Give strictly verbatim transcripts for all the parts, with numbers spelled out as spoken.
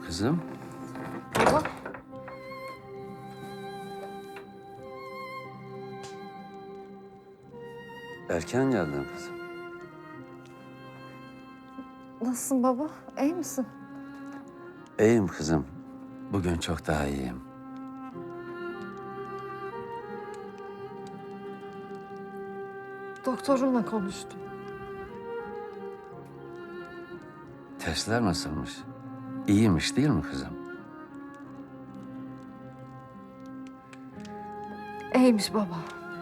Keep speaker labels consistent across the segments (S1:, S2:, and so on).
S1: Kızım.
S2: Baba.
S1: Erken geldin kızım.
S2: Nasılsın baba? İyi misin?
S1: İyiyim kızım. Bugün çok daha iyiyim.
S2: Doktorumla konuştum.
S1: Testler nasılmış? İyiymiş değil mi kızım?
S2: İyiymiş baba.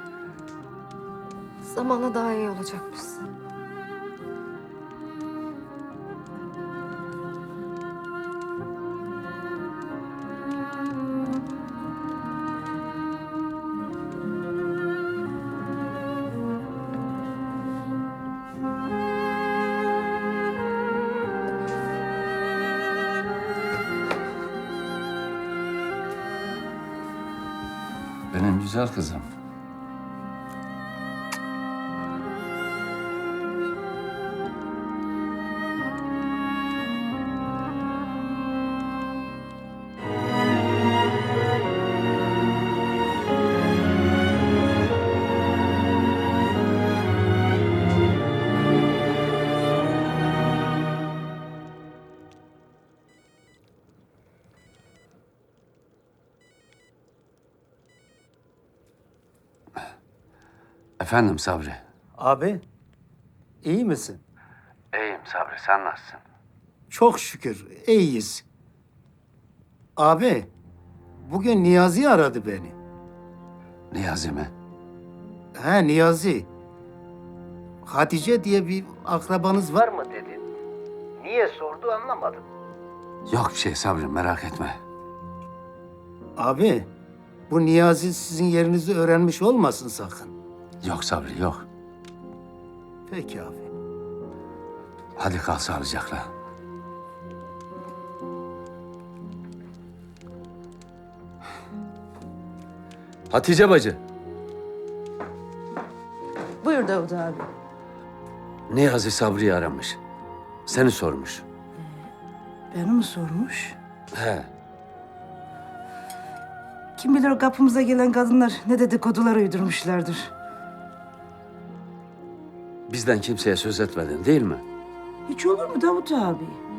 S2: Zamanla daha iyi olacakmışsın.
S1: Benim güzel kızım. Efendim Sabri.
S3: Abi, iyi misin?
S1: İyiyim Sabri, sen nasılsın?
S3: Çok şükür, iyiyiz. Abi, bugün Niyazi aradı beni.
S1: Niyazi mi?
S3: He, Niyazi. Hatice diye bir akrabanız var mı dedi. Niye sordu anlamadım.
S1: Yok bir şey Sabri, merak etme.
S3: Abi, bu Niyazi sizin yerinizi öğrenmiş olmasın sakın.
S1: Yok Sabri, yok.
S3: Peki abi.
S1: Hadi kal sağlıcakla. Hatice bacı.
S4: Buyur Davut abi.
S1: Niyazi Sabri'yi aramış. Seni sormuş.
S4: Beni mi sormuş?
S1: He.
S4: Kim bilir o kapımıza gelen kadınlar ne dedikodular uydurmuşlardır.
S1: Bizden kimseye söz etmedin değil mi?
S4: Hiç olur mu Davut abi?